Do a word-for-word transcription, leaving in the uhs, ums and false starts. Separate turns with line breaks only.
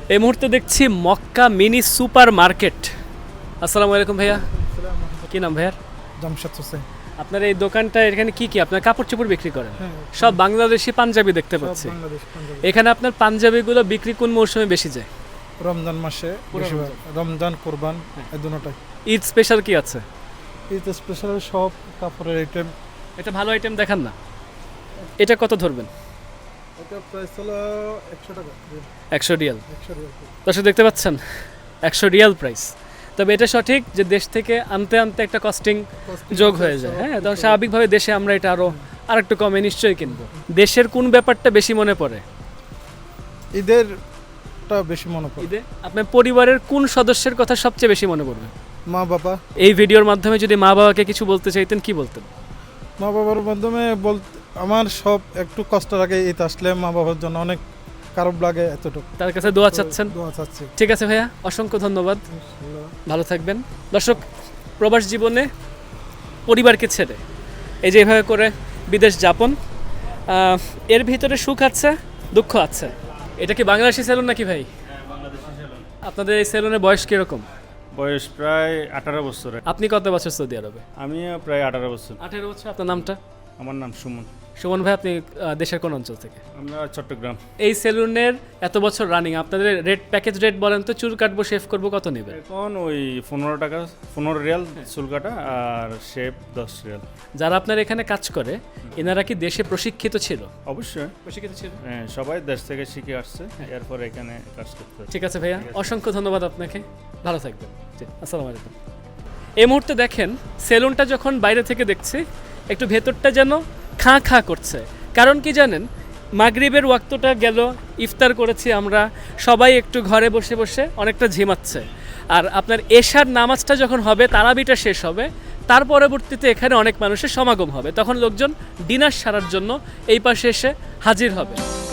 এই মুহূর্তে দেখছি মক্কা মিনি সুপার মার্কেট। আসসালামু আলাইকুম ভাইয়া, কি নাম ভাইয়ার?
জামশেদ হোসেন।
আপনার এই দোকানটা এখানে কি কি আপনার কাপড় চোপড় বিক্রি করেন?
হ্যাঁ,
সব বাংলাদেশি পাঞ্জাবি দেখতে
সব
পাচ্ছি।
বাংলাদেশ, পাঞ্জাবি।
এখানে আপনার পাঞ্জাবিগুলো বিক্রি কোন মৌসুমে বেশি যায়?
রমজান মাসে
পুরো
বেশিরভাগ। রমজান কোরবান
হ্যাঁ।
এই দুটোটাই।
ঈদ স্পেশাল কি আছে?
ঈদ স্পেশাল সব কাপড়ের আইটেম।
এটা ভালো আইটেম দেখান না। এটা কত ধরবেন?
এটা প্রাইস হলো একশো টাকা।
একশো রিয়াল।
একশো রিয়াল।
দর্শক দেখতে পাচ্ছেন একশো রিয়াল প্রাইস। তবে এটা সঠিক যে দেশ থেকে আনতে আনতে একটা কস্টিং যোগ হয়ে যায়। হ্যাঁ, তখন স্বাভাবিকভাবে দেশে আমরা এটা আরও আর একটু কমে নিশ্চয়ই কিনবো। দেশের কোন ব্যাপারটা বেশি মনে পড়ে?
ঈদেরটা বেশি মনে পড়ে।
ঈদে আপনার পরিবারের কোন সদস্যের কথা সবচেয়ে বেশি মনে পড়বে?
মা বাবা।
এই ভিডিওর মাধ্যমে যদি মা বাবাকে কিছু বলতে চাইতেন কি বলতেন?
মা বাবার মাধ্যমে বলতে আমার সব একটু কষ্ট লাগে, ঈদ আসলে মা বাবার জন্য অনেক খারাপ লাগে এতটুকু।
তার কাছে দোয়া চাচ্ছেন?
দোয়া চাচ্ছি।
ঠিক আছে ভাইয়া, অসংখ্য ধন্যবাদ,
ইনশাআল্লাহ।
ভালো থাকবেন। দর্শক, প্রবাস জীবনে পরিবারকে ছেড়ে এই যে এভাবে করে বিদেশ যাপন, আহ, এর ভিতরে সুখ আছে, দুঃখ আছে। এটা কি বাংলাদেশি সেলুন নাকি ভাই? আপনাদের এই সেলুনের বয়স কিরকম?
বয়স প্রায় আঠারো বছর।
আপনি কত বছর সৌদি আরবে?
আমিও প্রায় আঠারো বছর।
আঠেরো বছর। আপনার নামটা?
আমার নাম সুমন।
সুমন ভাই, আপনি আহ, দেশের কোন অঞ্চল থেকে?
আমরা চট্টগ্রাম।
এই সেলুনের এত বছর রানিং, আপনাদের রেট প্যাকেজ রেট বলেন তো, চুল কাটবো শেভ করবো কত নেবেন?
এখন ওই পনেরো টাকা পনেরো রিয়াল চুল কাটা আর শেপ দশ রিয়াল।
যারা আপনার এখানে কাজ করে এনারা কি দেশে প্রশিক্ষিত ছিল?
অবশ্যই।
প্রশিক্ষিত ছিল।
হ্যাঁ, সবাই দেশ থেকে শিখে আসছে, এরপর এখানে কাজ করতে হয়।
ঠিক আছে ভাইয়া, অসংখ্য ধন্যবাদ আপনাকে, ভালো থাকবেন। জি, আসসালামু আলাইকুম। এই মুহূর্তে দেখেন সেলুনটা যখন বাইরে থেকে দেখছি একটু ভেতরটা যেন খাঁ খাঁ করছে। কারণ কি জানেন, মাগরিবের ওয়াক্তটা গেল, ইফতার করেছি আমরা, সবাই একটু ঘরে বসে বসে অনেকটা ঝিমাচ্ছে। আর আপনার এশার নামাজটা যখন হবে, তারাবিটা শেষ হবে, তার পরবর্তীতে এখানে অনেক মানুষের সমাগম হবে, তখন লোকজন ডিনার সারার জন্য এই পাশে এসে হাজির হবে।